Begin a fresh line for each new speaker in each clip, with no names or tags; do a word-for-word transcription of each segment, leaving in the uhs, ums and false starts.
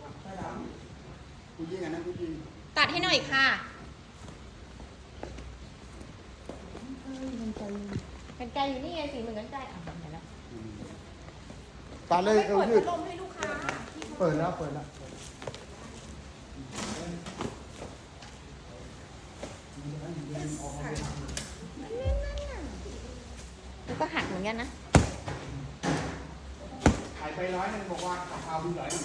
ผู้หญิงอันนั้นผู้หญิง
ตัดให้หน่อยค่ะกันไกลอยู่นี่ไงสีเหมือนกันไกลอ่ะเห็นแล้ว
ตาเลยเอว
เปิด
ยื
พั
ด
ดลมให้ลูกค้า
เปิดแล้วเปิดแล้ว
แล้วก็หักเหมือนกันนะ
ขายไปร้อยนึงบอกว่าเอาดูหน่อย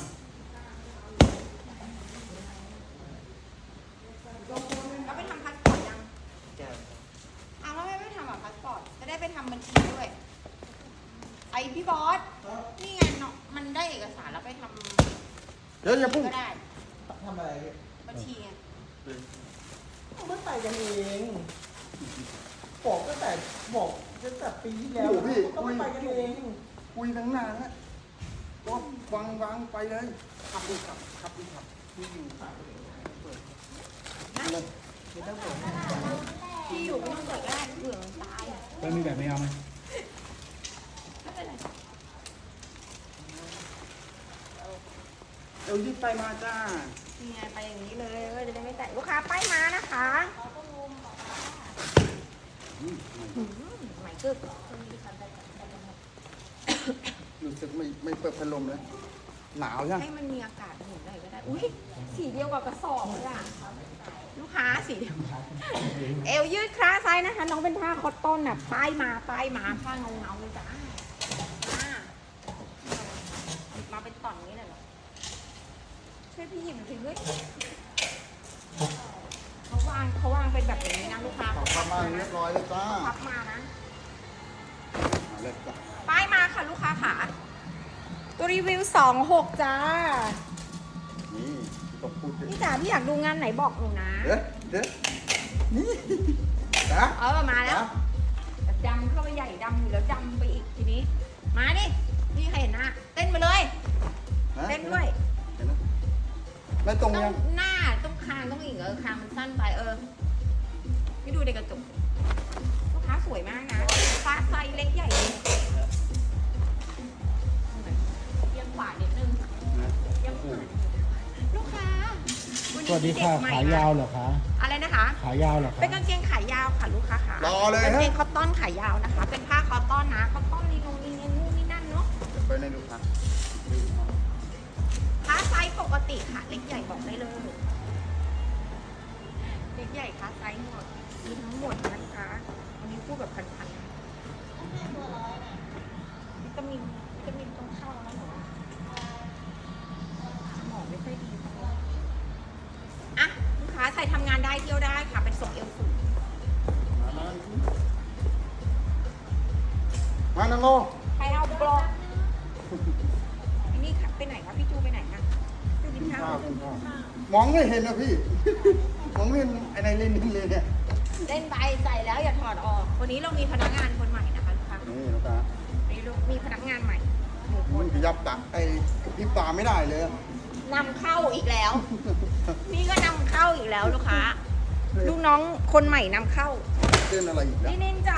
แล้วไปทำพาสปอร์ตยังอ้าวแล้วไม่ไปทำอ่ะพาสปอร์ตจะได้ไปทำบัญชีด้วยไอพี่บอสนี่ไงเนาะมันได้เอกสารแล้วไปทำ
เดี๋ยวอย่าพุ่ง
ก็ได้
ทำอะไร
บัญชีไง
เขาไม่ไปกันเองบอกตั้งแต่บอกตั้งแต่ปีที่แล้วเขาไม่ไปกันเอง
คุยตั้งนานแล้วก็วางวางไปเลยขับดูขับขับดูขับที่อยู่ขับเปิดเลย
ไม่ต้องเปิด
ที่อยู่ไม่ต้องเปิดก็ได้เผื่อมันตายอ่ะ
แล้วมีแบบไม่เอาไหม
ไม่เป็นไร
เอวยืดไปมาจ้า
นี่ไงไปอย่างนี้เลยก็จะได้ไม่แตกลูกค้าป้ายมานะคะใหม่กึก
รู้สึกไม่ไม่เปิดพัดลมเลยหนาวใช่ไหม
ให้มันมีอากาศหมุนได้ก็ได้อุ้ยสีเดียวกับกระสอบเลยอ่ะลูกค้าสีเดียวเอวยืดคลาไซส์นะคะน้องเป็นผ้าคอตตอนน่ะป้ายมาป้ายมาผ้าเงาเงาเลยจ้ามาเป็นต่อนนี้เลยเหรอช่วยพี่หยิบหน่อยสิเฮ้ยเขาวางเขาวางเป็นแบบนี้นะลูกค้า
ขอประมาณเรียบร้อยเลยจ้า
พับมานะ
มาเลยจ้า
ป้ายมาค่ะลูกค้าค่ะตัวรีวิวสองหกจ้า
นี่ต้องพูดดิ
พี่จ๋าพี่อยากดูงานไหนบอกหนูนะ
เดี๋ยวเดี๋ยวนี่นะ
เออมาแล้วดำเข้าไปใหญ่ดำอยู่แล้วดำไปอีกทีนี้ มาดินี่ใครเห็นหน้าเต้นมาเลย เต้นด้วย
ไม่ตรง
ต้อ
ยัง
งหน้าต้องคางต้องอีกเออคางมันสั้นไปเออไม่ดูในกระจกลูกค้าสวยมากนะฟ้าไซส์เล็กใหญ่เลยเอียงขวานิดนึงเอียงขวาลูกค้า
สวัสดีค่ะ ขายาวเหรอคะ
อะไรนะคะ
ขายาวเหรอคะ
เป็นกางเกงขายาวค่ะลูกค้าค่ะ
รอเลย
กาง
ฮะ
เกงคอตตอนขายาวนะคะ เป็นผ้าคอตตอนนะคอตตอนนีนูนีเนนู่นนี่นั่นเนาะ
ไปในดูครับ
ค้าไซส์ปกติค่ะเล็กใหญ่บอกได้เลยเล็กใหญ่ค้าไซส์หมดมีทั้งหมดนะคะวันนี้พูดแบบพันๆนะวิตามินวิตามินต้องเข้าแล้วหนูสมองไม่ค่อยดีอ่ะลูกค้าใส่ทำงานได้เที่ยวได้ค่ะเป็นทรงเอวสูง
มานังโง
ใครเอาบล็อกอันนี้ค่ะไปไหนคะพี่จูไปไหนคะจูกินข้าว
มองไม่เห็นนะพี่ มองไม่เห็นไอ้ในเลนนี่เลยเนี่ย
เล่นไปใส่แล้วอย่าถอดออก วันนี้เรามีพนักงานคนใหม่นะคะลูกค้า
นี่ลูกค้า
วันนี้มีพนักงานใหม่หนึ่งค
มัน นขยับตาไอ้พี่ปลาไม่ได้เลย
นำเข้าอีกแล้ว นี่ก็นำเข้าอีกแล้วลูกค้า ลูกน้องคนใหม่นำเข้า
เต้นอะไรอีกแล้ว
นี่นินจ้ะ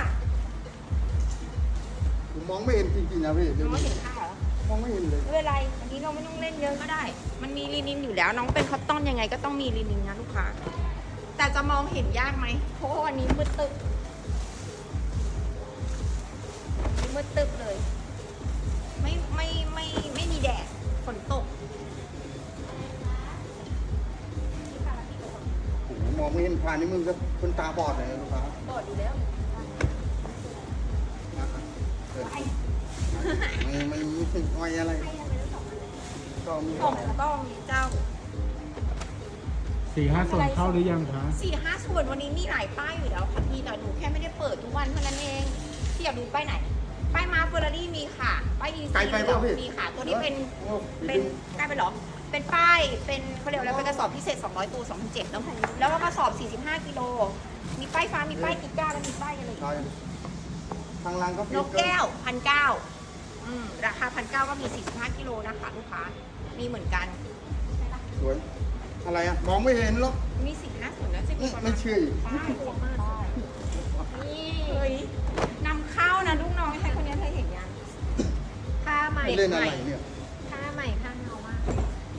ผมมองไม่เห็นจริงๆนะพี่
น้องเห็นข้าวเหรอ
มองไม่เห็นเลย
ไม่เป็นไรวันนี้เราไม่ต้องเล่นเยอะก็ได้ มันมีลีนินอยู่แล้ว น้องเป็นคอตตอนยังไงก็ต้องมีลีนินนะลูกค้า แต่จะมองเห็นยากไหมเพราะว่าวันนี้มืดตึ๊บมืดตึ๊บเลย ไม่ไม่ไม่ไม่มีแดดฝนตก
ผมมองไม่เห็นผ่านในมือก็คนตาบอดเลยนะลูกค้า
บอดอยู่แล้ว
ไม่ไม่ไม่ถึงอ้อยอะไรก็มี
ของต้องเจ้า
สี่ห้าส่วนเข้าหรือยังคะ
สี่ห้าส่วนวันนี้มีหลายป้ายอยู่แล้วค่ะพี่แต่หนูแค่ไม่ได้เปิดทุกวันเท่านั้นเองที่อยากดูป้ายไหน ป้ายมาเฟอร์รารี่มีค่ะ ป้ายดีซีมีค่ะ ตัวนี้เป็นเป็นใกล้ไปหรอ เป็นป้ายเป็นเขาเรียกอะไรเป็นกระสอบพิเศษสองร้อยตัวสองพันเจ็ดแล้วแล้วก็กระสอบสี่สิบห้ากิโลมีป้ายฟ้ามีป้ายกิก้าแล้วมีป้ายอะไรอีก
ทางร้านก็
นกแก้วพันเก้าอืมราคาพันเก้าก็มีสี่สิบห้ากิโลนะคะลูกค้ามีเหมือนกัน
สวยอะไรอ่ะมองไม่เห็นหรอก
มีสี่ห้าส่วนแล้วจะมีประมาณ
ไม่เชื่ออีก
ป้ายเยอะมากนี่เฮ้ยนำเข้านะลูกน้องใครคนนี้เธอเห็นยังผ้าใหม่
เล่นอะไร
ใหม่
เนี่ย
ผ้าใหม่ผ้าเงามากเยอะ
ไป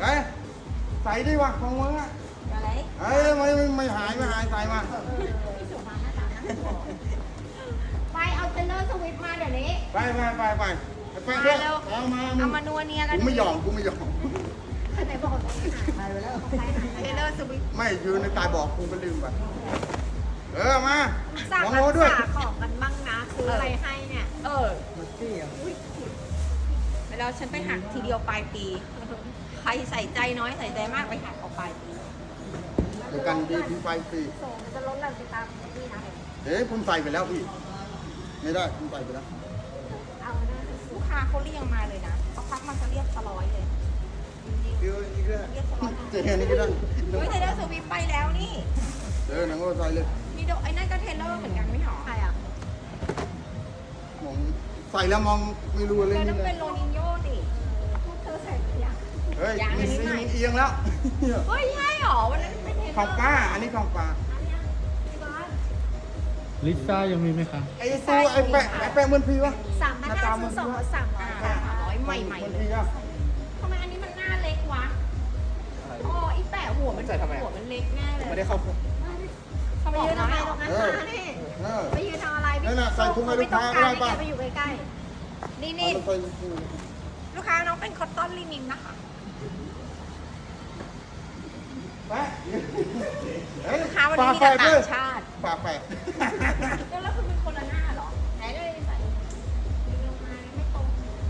เอ้ยใส่ดิวะของมึงอ่ะ
อะไร
เอ้ยไม่ไม่ไม่หายไม่หายใส่มา
พี่สุมาหน้าตาน่ากลัวไปเอาเทเลอร์สวิฟมาเดี๋ยวนี้
ไปไปไปไปไปด้วย
มาเร็ว
เอามา
เอามานัวเนียกัน
กูไม่ยอมกูไม่ยอม
ไหนบอกว่าหายไปแล้วเทเลอร์สวิฟ
ไม่อยู่ในตายบอกกูก็ลืมไปเออมา
สั่ง
ลอง
รั
โล
ก
ด้วย
ษาของกันบ้างนะซื้ออะไรให้เนี่ย
เออ
มันเตี้ย
แล้วฉันไปหักทีเดียวปลายปี ใครใส่ใจน้อยใส่ใจมากไปหักออกปลายปี
เดี๋ยวกันดีที่ไฟฟรี
โซมันจะลดแรงไปตามนี่นะ
เอ๊ะผมใส่ไปแล้วพี่ ไม่ได้ผมใส่ไปแล้ว
เอาหน้า
ลูกค้าเขาเรียกมาเลยนะเขาพักมันจะเรียกสร้อยเลยจริง
เดี๋ยวอีกแล้ว
ๆเรียกสร้อย
เจ๊นี่ก็ได้
เฮ้ยเทเลอร์สวิฟไปแล้วนี่
เออหนังก็ใส่เลย
มีโดไอ้นั่นก็เทเลอร์เหมือนกันไม่หรอ
ใครอ่ะ
มองใส่แล้วมองไม่รู้อะไร
แต่
นี่
ต้อง
เล
เป็
ย
นโรนินโญ่ดิ
พวกเธอใส่หรือยัง
เฮ้ย
ยัง
มี
ไม่
ซี
ใส่
มันเอียงแล้ว
เฮ้ยใช่หรอวันนั้นเป็นเทเลอร์
ของป้า อันนี้ของป้า
พี่บอล
ลิซ่ายังมีไหมคะ
ไอ้ตู้ไอ้แปะไอ้แปะเหมือนพี่วะ
สามพันห้าซื้อสองร้อยสามร้อย
อ่า
ค่ะ
ร้อยใหม่ใหม่
เหมือน
เลย
พี่อะ
ทำไมอันนี้มันหน้าเล็กวะอ๋อไอ้แปะหัวมันหัวมันเล็กแน่เลย
ไม่ได้เข้า
เขา
ไป
บอก
ยืนทำไม
ว่า
ตรงนั้นมานี่
เออ
ไปยืนทำอะไรพี่
นั่นน่ะใส่ถุงให้ลูกค้า
ไม่ต้อง
ได้
การ
ป่ะ
ให้แกไปอยู่ใกล้
นี่
เอา
นี่
ไปใส่
ลูกค้าน้องเป็นคอตตอนลินินนะคะ
แปะเฮ้ย
ลูกค้าวันนี้มีแต่ต่างชาติ
ฝาแฝด
แล้วแล้วคุณเป็นคนละหน้าเหรอไหนเลยใส่ดึงลงมาไม่ตรง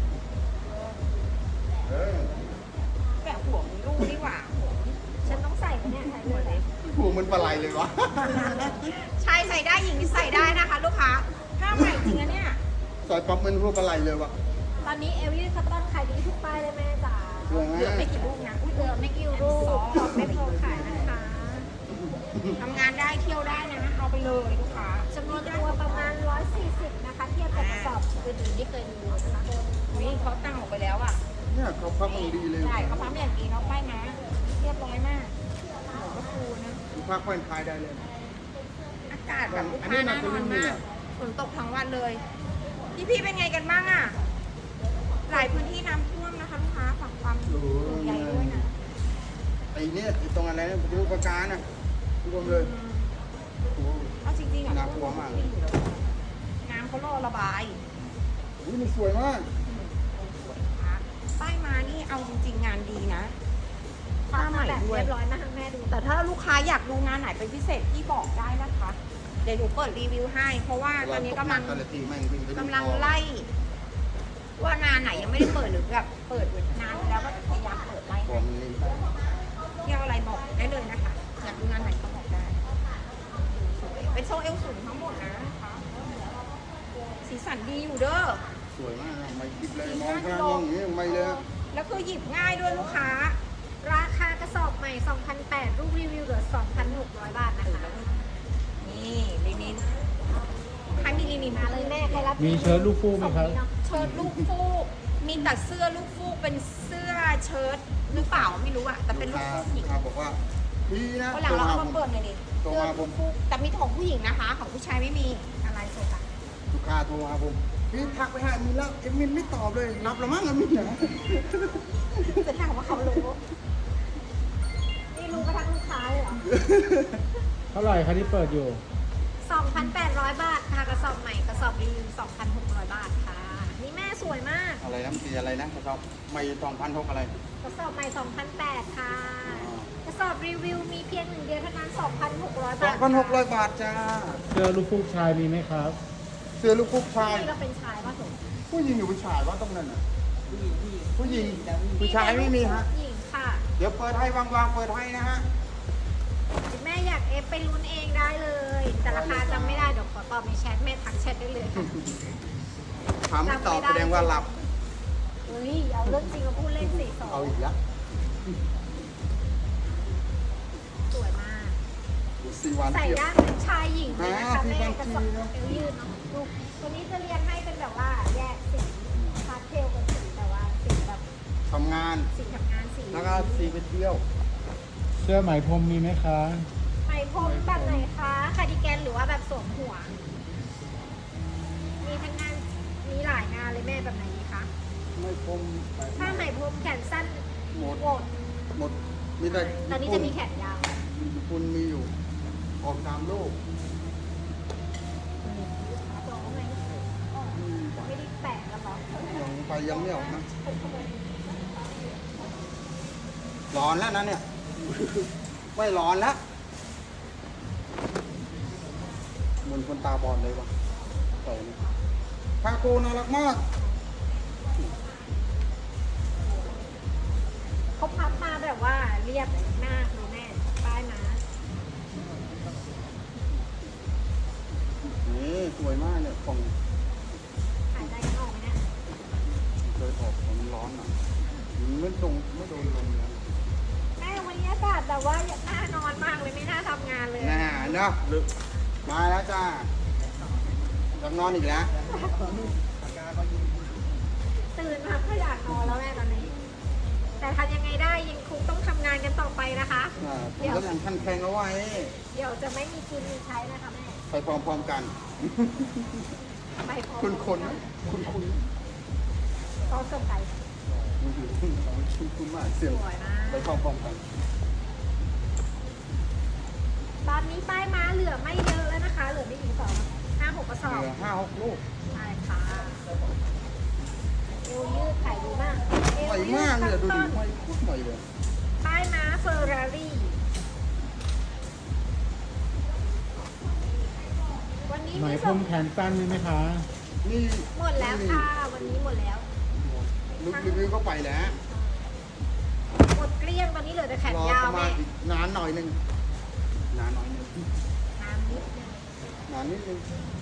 เออ
แปะหัวมันรูดีกว่าหัวมัน
ๆฉันต้องใส่ไหมเนี่ยใส่เลย
หัวมันปลาไหลเลยวะ
ชายใส่ได้หญิงใส่ได้นะคะ ลูกค้าผ้าใหม่จริงนะเนี่ย
ใส่ปั๊บมันหัวปลาไหลเลยวะ
ตอนนี้เอลลี่คัตตอนขายดีทุกป้ายเลยแม่จ๋า
เหลือ
เหลือไม่กี่ลูกนะอุ้ย
เหลือไม่กี่รูปของไม่พอขายนะคะ
ทำงานได้เที่ยวได้นะเอาไปเลยลูกค้า
จำนวนตัวประมาณหนึ่งร้อยสี่สิบนะคะ เทียบกับกระสอบอื่นๆที่เคยดูนะคะ
วิ่งเขาตั้งออกไปแล้วอ่ะ
เนี่ยเขาพับมันดีเลย
ใช่เขาปั๊มอย่างดีน้องป้ายนะเรียบร้อยมากหมูกระฟูนะ
พักแฟนคลายได้เลย
อากาศแบบลูกค้าน่านอนมากฝนตกทั้งวันเลย พี่พี่ๆเป็นไงกันบ้างอ่ะ หลายพื้นที่น้ำท่วมนะคะลูกค้าฝากความห่วงใยด้วยนะ
ไอ้เนี่ยไอ้ตรงอะไรนะดูประการนะรวมเลยโอ้โห
เอาจริงๆอ่ะ
น่ากลัวมากเลย
น้ำเขารอระบาย
อุ๊ยมันสวยมาก
ป้ายมานี่เอาจริง ๆ งานดีนะ
ผ้า
ผ้าใหม่
แบบ
ด้วย
เรียบร้อยมาให้แม่ดู
แต่ถ้าลูกค้าอยากดูงานไหนเป็นพิเศษที่บอกได้นะคะ เดี๋ยวหนูเปิดรีวิวให้ เพราะว่าตอนนี้กำลัง
แต่ละทีแม่งวิ่งไปดู
กำลังไล่ ว่างานไหนยังไม่ได้เปิดหรือแบบเปิดนานแล้วก็พยายามเปิดไล่
ของมันนี่
เที่ยวอะไรบอกได้เลยนะคะ อยากดูงานไหนก็บอกได้สวยเป็นโซเอลสูงทั้งหมดนะคะสีสันดีอยู่เด้อ
สวยมากนะไม่คิดเลยมองข้างอย่างนี้ไม่เลย
แล้วคือหยิบง่ายด้วยลูกค้า
ราคากระสอบใหม่ สองพันแปดร้อย รูปรีวิวเหลือ สองพันหกร้อย บาทนะคะ
นี่ลินินใครมีลินิน
มา
มา
เล
เลย ย
แม่ใครรับ
มีเชิ้ตลูกฟูกไหมครับ
ส่งนี้เนาะ
เชิ้ตลูกฟูกมีแต่เสื้อลูกฟูกเป็นเสื้อเชิ้ตหรือเปล่าไม่รู้อะแต่เป็นลูกฟูกหญิง
ลูค้าบอกว่าพี่นะ
วันหลังเราเอามาเปิดหน่อยดิ
โทร
เสื้อ
มาผ
ลู
ม
กฟูกแต่มีของผู้หญิงนะคะ ของผู้ชายไม่มีอะไรโซกัน
ลูกค้าโทรมาผมพี่ทักไปหามินแล้วเอ็มมินไม่ตอบเลยรับแล้วมั้งเอ็มมินนะ
จะถามว่าเขารู้
นี่รู้กระทั่งลูกค้าเลยเหรอ
เท่าไหร่คะที่เปิดอยู่
สองพันแปดร้อย บาทค่ะกระสอบใหม่กระสอบรีวิว สองพันหกร้อย บาทค่ะ นี่แม่สวยมาก
อะไรนะสีอะไรนะครับไม่สองพันหกอะไร
กระสอบใหม่ สองพันแปดร้อย ค่ะ กระสอบรีวิวมีเพียงหนึ่งเดียวเท่านั้น สองพันหกร้อย
สอบ
าง ท
พันหกร้อยบาทจ้า
เสื้อลูกฟูกชายมีไหมครับ
เสื้อลูกคุกชาย
นี่เราเป็นชายป่ะสม
ผู้หญิงหรือผู้ชายว่าตรงนั้นอ่ะผู้หญิงผู้ชายไม่มีฮะ
หญิงค่ะ
เดี๋ยวเปิดให้วางๆเปิดให้นะฮะ
แม่อยากเอฟไปลุ้นเองได้เลย แต่ราคาจำไม่ได้ เดี๋ยวขอตอบในแชทแม่ทักแชทได้เลยค่ะ
ถามไม่ตอบแสดงว่าหลับ
เฮ้ย เอาเรื่องจริงมาพูดเล่นสิสอ
เอา
ง
อีกแล้ว
สวยมาก
สี่วัน
ใส่
เที่ยว
ได้เป็นชายหญิงเลยนะคะ
อ่า
แม่
พี่
กระ
บาง
สอบ
ทีนะ
เอวยืดเนาะดูตัวนี้จะเรียนให้เป็นแบบว่าแยกสีพาสเทลกับสีแบบว่าสีแบบ
ทำงาน
สีทำงานสี
แล้วก็สีไปเที่ยว
เสื้อไหมพรมมีไหมคะ
ไหมพรมแบบไหนคะคาร์ดิแกนหรือว่าแบบสวมหัว มีทั้งงานมีหลายงานเลยแม่แบบไหนดีคะ
ไม่คม
ถ้าไหมพรมแขนสั้น
หมด
หมด
หมดมีแต่
ตอนนี้
ญี่
จะ
ปุ่น
มีแขนยาว
ญี่ปุ่นมีอยู่ออกตามโลก
ตัวไหมอ๋อไม่ได้แปะแล้วหรอ
ยังไปยังไม่ออกนะร้อนแล้วนะเนี่ย ไม่ร้อนแล้วเหมือนคนตาบอดเลยวะใส่นี่คาโกน่ารักมาก
เขาพับมาแบบว่าเรียบมากดูแม่ป้ายมา
นี่สวยมากเนี่ยของ
หายใจกันออกไหมเนี่ย
เคยออกมันร้อนอ่ะมันไม่ตรงไม่โดนลมเลย
แม่วันนี้อากาศแบบว่าน่านอนมากเลยไม่น่าทำงานเลย
น่าเนาะลึกมาแล้วจ้าจะนอนอีกแล้ว
ตื่นมาก็อยากนอนแล้วแม่ตอนนี้ แต่ทำยังไงได้ยังคงต้องทำงานกันต่อไปนะคะ
อ่าผมก็ยังคันแข็งเอาไว้
เดี๋ยวจะไม่มีกินมีใช้นะคะแม่
ไปพร้อมๆกัน
ไปพร้อม
คุณคนนะคุณคุณ
ก็ส่งไก่
คุณคุณมากเสียง
สวยมาก
ไปพร้อมๆกัน
ตอนนี้ป้ายม้าเหลือไม่เยอะแล้วนะคะ เหลือไม่ถึงสองห้าหกกระสอบ
เหลือห้าหกลูก
ใช่ค่ะเอวยืดขายดีมากเอว
ใหม่
ยื
มากเนี่ยดู
ต้
ดิ
น
ใหม่โคตรใหม่เลย
ๆป้ายม้าเฟอร์รารี่วันนี้
ไหม
มี
พร
ส่ง
มแขนสั้นมีไหมคะ
นี่
หมดแล้วค่ะ วันนี้หมดแล้ว
ลูกรีวิวก็ไปแล้ว
หมดเกลี้ยงตอนนี้เหลือแต่แขน
รอย
า
ป
ว
ระมา
แม่
ณอีกนานหน่อยหนึงนานหน่อยหนึง
น้ำนิดนึง
นานนิดนึง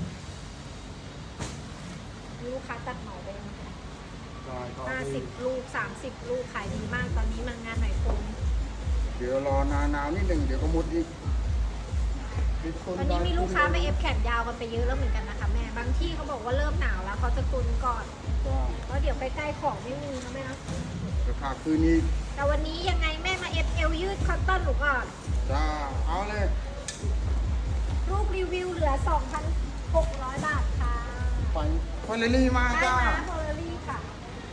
ลูกค้าตัดเหมาไปเลย
ได้ก็
ห้าสิบลูกสามสิบลูกขายดีมากตอนนี้มางานไหนพรม
เดี๋ยวรอนานาวนิดนึงเดี๋ยวก็หมดอีก
ตอนนี้มีลูกค้ามาเอฟแขนยาวกันไปเยอะแล้วเหมือนกันนะคะแม่บางที่เขาบอกว่าเริ่มหนาวแล้วเขาจะตุนก่อน
จ้า
เพราะเดี๋ยวใกล้ๆของไม่มีนะแม่นะ
ราคาคืนนี้
แต่วันนี้ยังไงแม่มาเอฟเอลยืดคอตตอนหนูก่อน
จ้าเอาเลย
ลูกรีวิวเหลือ สองพันหกร้อย บาทค่ะ
ไปคอนเนลี่มา
ได้
จ้า
มาโพลารี่ค่ะ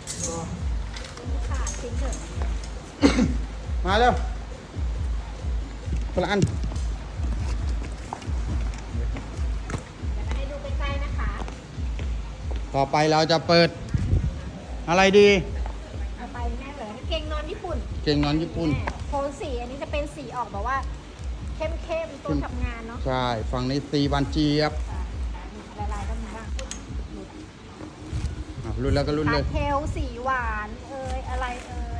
ค่ะจริงเถอะ
มาเร็วคนละอัน
เดี๋ยวมาให้ดูใกล้ๆนะคะ
ต่อไปเราจะเปิด อะไรดี
เอาไปแม่เลยเกงนอนญี่ปุ่น
เก่งนอนญี่ปุ่น
แม่โทนสีอันนี้จะเป็นสีออกแบบว่า เข้มๆตัวทำงานเนาะ
ใช่ ฝั่งนี้ตีบานเจี๊ยบ
ละลายก็มีบ้าง
อ่ะรุ่นแล้วก็รุ่น
พา
เลย
สเทลสีหวาน เอ่ยอะไรเอ่ย